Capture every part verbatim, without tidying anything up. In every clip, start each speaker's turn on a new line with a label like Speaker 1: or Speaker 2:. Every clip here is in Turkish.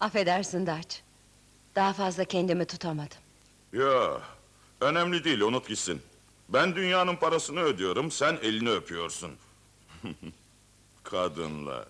Speaker 1: Affedersin Dutch. Daha fazla kendimi tutamadım.
Speaker 2: Ya, önemli değil, unut gitsin. Ben dünyanın parasını ödüyorum, sen elini öpüyorsun. Kadınlar.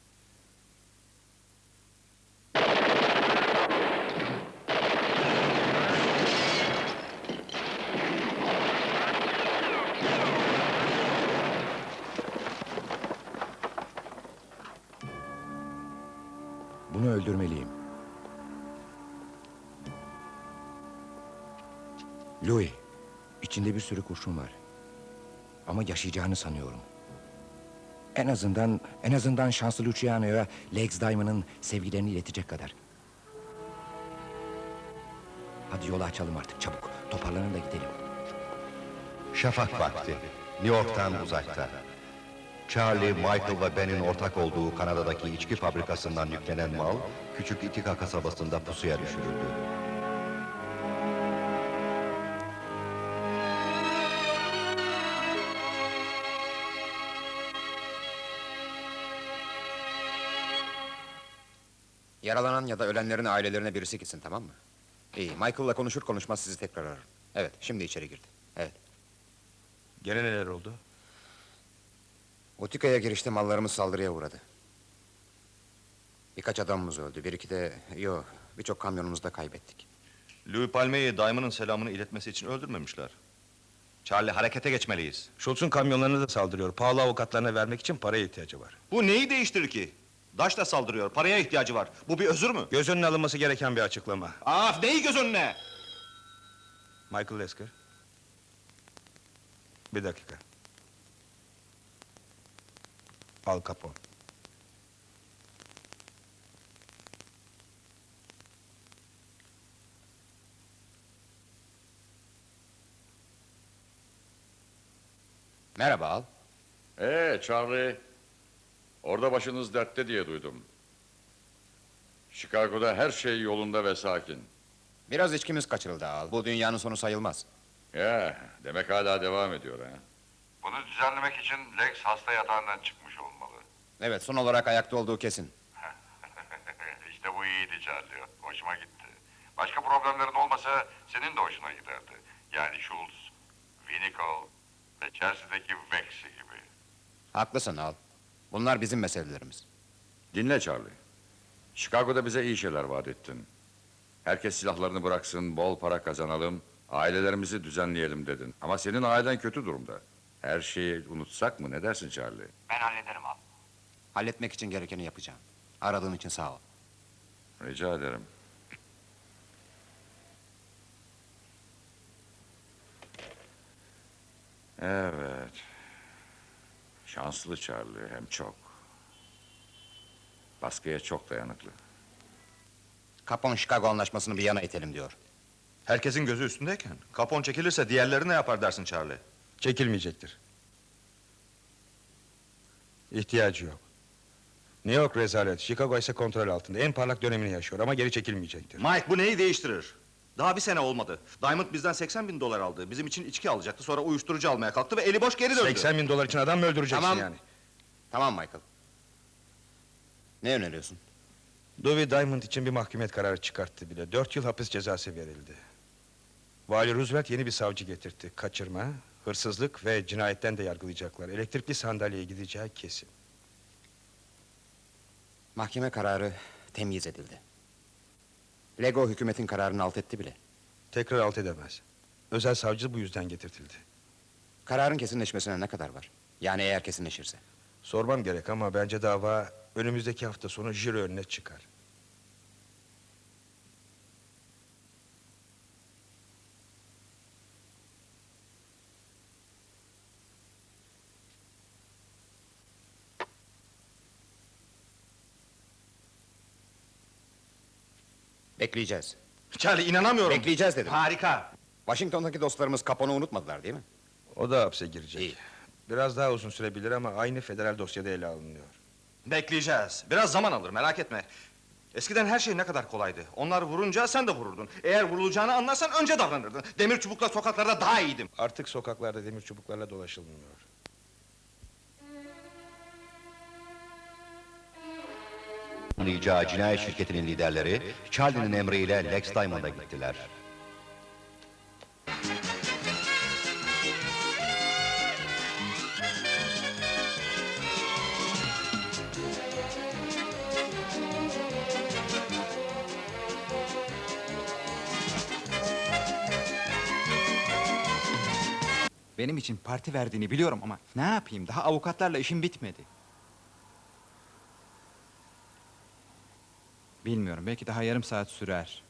Speaker 3: Bunu öldürmeliyim. Louis, içinde bir sürü kurşun var. Ama yaşayacağını sanıyorum. En azından, en azından şanslı Luciano'ya Legs Diamond'ın sevgilerini iletecek kadar. Hadi yolu açalım artık çabuk. Toparlanın da gidelim.
Speaker 4: Şafak vakti, New York'tan uzakta. Charlie, Michael ve Ben'in ortak olduğu Kanada'daki içki fabrikasından yüklenen mal, küçük Itika kasabasında pusuya düşürüldü.
Speaker 5: Yaralanan ya da ölenlerin ailelerine birisi gitsin, tamam mı? İyi, Michael'la konuşur konuşmaz sizi tekrar ararım. Evet, şimdi içeri girdi. Evet.
Speaker 6: Gene neler oldu?
Speaker 5: Utika'ya girişte mallarımız saldırıya uğradı. Birkaç adamımız öldü, bir iki de... Yok, birçok kamyonumuzu da kaybettik.
Speaker 6: Louis Palme'yi Diamond'ın selamını iletmesi için öldürmemişler. Charlie, harekete geçmeliyiz.
Speaker 7: Schultz'un kamyonlarını da saldırıyor. Pahalı avukatlarına vermek için paraya ihtiyacı var.
Speaker 6: Bu neyi değiştirir ki? Daş da saldırıyor, paraya ihtiyacı var. Bu bir özür mü?
Speaker 7: Göz önüne alınması gereken bir açıklama.
Speaker 6: Af, neyi göz önüne?
Speaker 7: Michael Lesker. Bir dakika. Al Capone.
Speaker 5: Merhaba Al.
Speaker 2: Ee Charlie, orada başınız dertte diye duydum. Chicago'da her şey yolunda ve sakin.
Speaker 5: Biraz içkimiz kaçırıldı Al. Bu dünyanın sonu sayılmaz.
Speaker 2: Ya, demek hala devam ediyor ha?
Speaker 8: Bunu düzenlemek için Lex hasta yatağından çıkmış olmalı.
Speaker 5: Evet, son olarak ayakta olduğu kesin.
Speaker 8: İşte bu iyiydi Charlie. Hoşuma gitti. Başka problemlerin olmasa senin de hoşuna giderdi. Yani Schultz, Winnicott ve Chelsea'deki Vex'i gibi.
Speaker 5: Haklısın Al. Bunlar bizim meselelerimiz.
Speaker 2: Dinle Charlie. Chicago'da bize iyi şeyler vaat ettin. Herkes silahlarını bıraksın, bol para kazanalım, ailelerimizi düzenleyelim dedin. Ama senin ailen kötü durumda. Her şeyi unutsak mı, ne dersin Charlie?
Speaker 8: Ben hallederim Al.
Speaker 5: Halletmek için gerekeni yapacağım. Aradığın için sağ ol.
Speaker 2: Rica ederim. Evet. Şanslı Charlie, hem çok. Baskıya çok dayanıklı.
Speaker 5: Capone Chicago anlaşmasını bir yana itelim diyor.
Speaker 6: Herkesin gözü üstündeyken, Capone çekilirse diğerleri ne yapar dersin Charlie?
Speaker 7: Çekilmeyecektir. İhtiyacı yok. New York rezalet, Chicago ise kontrol altında. En parlak dönemini yaşıyor ama geri çekilmeyecektir.
Speaker 6: Mike, bu neyi değiştirir? Daha bir sene olmadı. Diamond bizden seksen bin dolar aldı. Bizim için içki alacaktı, sonra uyuşturucu almaya kalktı ve eli boş geri döndü.
Speaker 7: seksen bin dolar için adam mı öldüreceksin
Speaker 5: Tamam.
Speaker 7: yani?
Speaker 5: Tamam Michael. Ne öneriyorsun?
Speaker 7: Dewey Diamond için bir mahkumiyet kararı çıkarttı bile. Dört yıl hapis cezası verildi. Vali Roosevelt yeni bir savcı getirtti. Kaçırma, hırsızlık ve cinayetten de yargılayacaklar. Elektrikli sandalyeye gideceği kesin.
Speaker 5: Mahkeme kararı temyiz edildi. Lego hükümetin kararını alt etti bile.
Speaker 7: Tekrar alt edemez. Özel savcı bu yüzden getirtildi.
Speaker 5: Kararın kesinleşmesine ne kadar var? Yani eğer kesinleşirse.
Speaker 7: Sormam gerek ama bence dava önümüzdeki hafta sonu jüri önüne çıkar.
Speaker 5: Bekleyeceğiz.
Speaker 6: Charlie, inanamıyorum.
Speaker 5: Bekleyeceğiz dedim.
Speaker 6: Harika.
Speaker 5: Washington'daki dostlarımız Capone'u unutmadılar değil mi?
Speaker 7: O da hapse girecek.
Speaker 5: İyi.
Speaker 7: Biraz daha uzun sürebilir ama aynı federal dosyada ele alınıyor.
Speaker 6: Bekleyeceğiz. Biraz zaman alır, merak etme. Eskiden her şey ne kadar kolaydı. Onlar vurunca sen de vururdun. Eğer vurulacağını anlarsan önce davranırdın. Demir çubukla sokaklarda daha iyiydim.
Speaker 7: Artık sokaklarda demir çubuklarla dolaşılmıyor.
Speaker 4: planlayacağı cinayet şirketinin liderleri Charlie'nin emriyle Lex Diamond'a gittiler.
Speaker 9: Benim için parti verdiğini biliyorum ama ne yapayım? Daha avukatlarla işim bitmedi. Bilmiyorum, belki daha yarım saat sürer.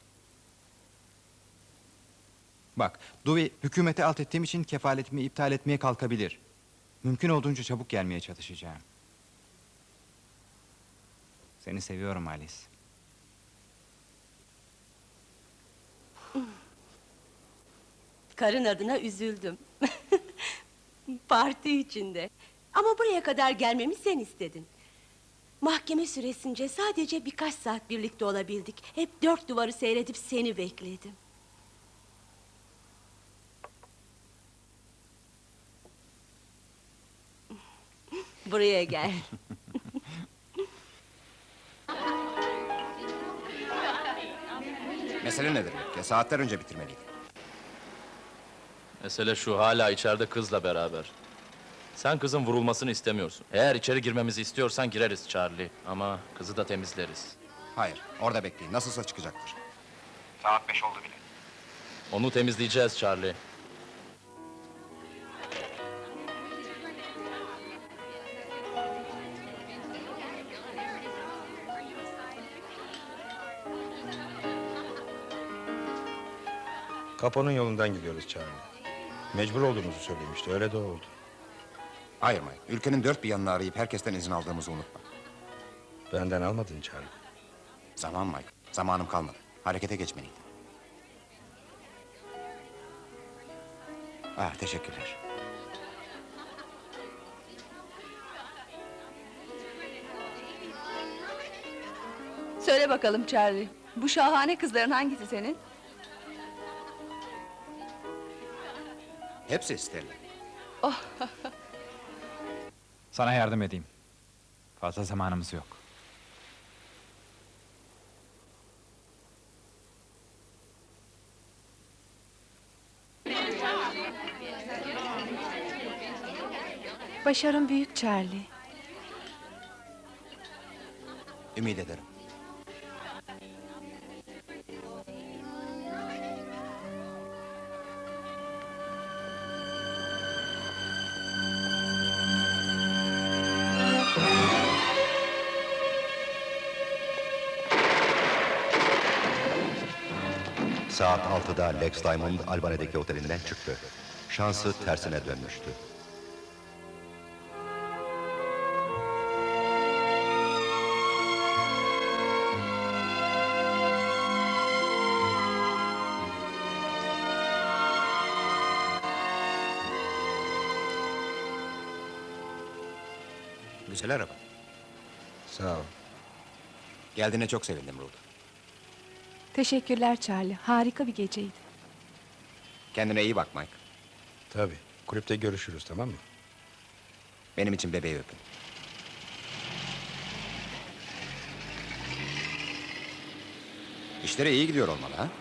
Speaker 9: Bak, Dewey hükümete alt ettiğim için kefaletimi iptal etmeye kalkabilir. Mümkün olduğunca çabuk gelmeye çalışacağım. Seni seviyorum Alice.
Speaker 10: Karın adına üzüldüm. Parti içinde. Ama buraya kadar gelmemi sen istedin. Mahkeme süresince sadece birkaç saat birlikte olabildik. Hep dört duvarı seyredip seni bekledim. Buraya gel.
Speaker 5: Mesele nedir? Ya saatler önce bitirmeliydik.
Speaker 11: Mesele şu, hala içeride kızla beraber. Sen kızın vurulmasını istemiyorsun. Eğer içeri girmemizi istiyorsan gireriz Charlie. Ama kızı da temizleriz.
Speaker 5: Hayır, orada bekleyin. Nasılsa çıkacaktır.
Speaker 6: Saat beş oldu bile.
Speaker 11: Onu temizleyeceğiz Charlie.
Speaker 7: Kaponun yolundan gidiyoruz Charlie. Mecbur olduğumuzu söylemişti, öyle de oldu.
Speaker 5: Hayır Mike, ülkenin dört bir yanını arayıp herkesten izin aldığımızı unutma.
Speaker 7: Benden almadın Charlie.
Speaker 5: Zaman Mike, zamanım kalmadı. Harekete geçmeliydim. Ah, teşekkürler.
Speaker 1: Söyle bakalım Charlie. Bu şahane kızların hangisi senin?
Speaker 5: Hepsi Stella.
Speaker 9: Sana yardım edeyim. Fazla zamanımız yok.
Speaker 1: Başarın büyük Charlie.
Speaker 5: Ümit ederim.
Speaker 4: Saat altıda Lex Diamond Albany'deki otelinden çıktı. Şansı tersine dönmüştü.
Speaker 5: Güzel araba.
Speaker 7: Sağ ol.
Speaker 5: Geldiğine çok sevindim Ruth.
Speaker 1: Teşekkürler Charlie. Harika bir geceydi.
Speaker 5: Kendine iyi bak Mike.
Speaker 7: Tabii, kulüpte görüşürüz, tamam mı?
Speaker 5: Benim için bebeği öpün. İşleri iyi gidiyor olmalı ha?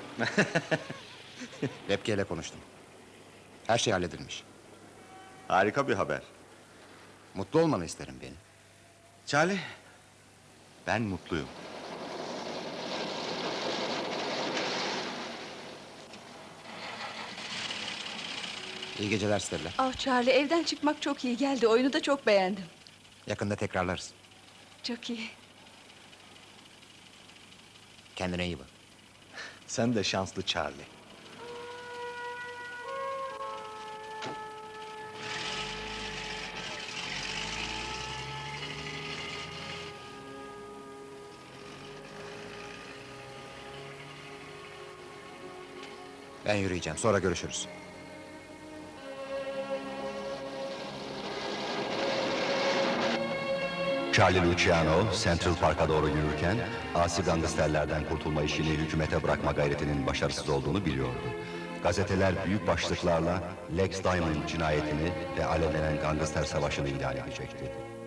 Speaker 5: Lepke ile konuştum. Her şey halledilmiş.
Speaker 4: Harika bir haber.
Speaker 5: Mutlu olmanı isterim benim.
Speaker 4: Charlie, ben mutluyum.
Speaker 5: İyi geceler Stella.
Speaker 1: Ah Charlie, evden çıkmak çok iyi geldi. Oyunu da çok beğendim.
Speaker 5: Yakında tekrarlarız.
Speaker 1: Çok iyi.
Speaker 5: Kendine iyi bak.
Speaker 4: Sen de şanslı Charlie.
Speaker 5: Ben yürüyeceğim. Sonra görüşürüz.
Speaker 4: Charlie Luciano, Central Park'a doğru yürürken, asi gangsterlerden kurtulma işini hükümete bırakma gayretinin başarısız olduğunu biliyordu. Gazeteler büyük başlıklarla Lex Diamond cinayetini ve alevlenen gangster savaşını ilan edecekti.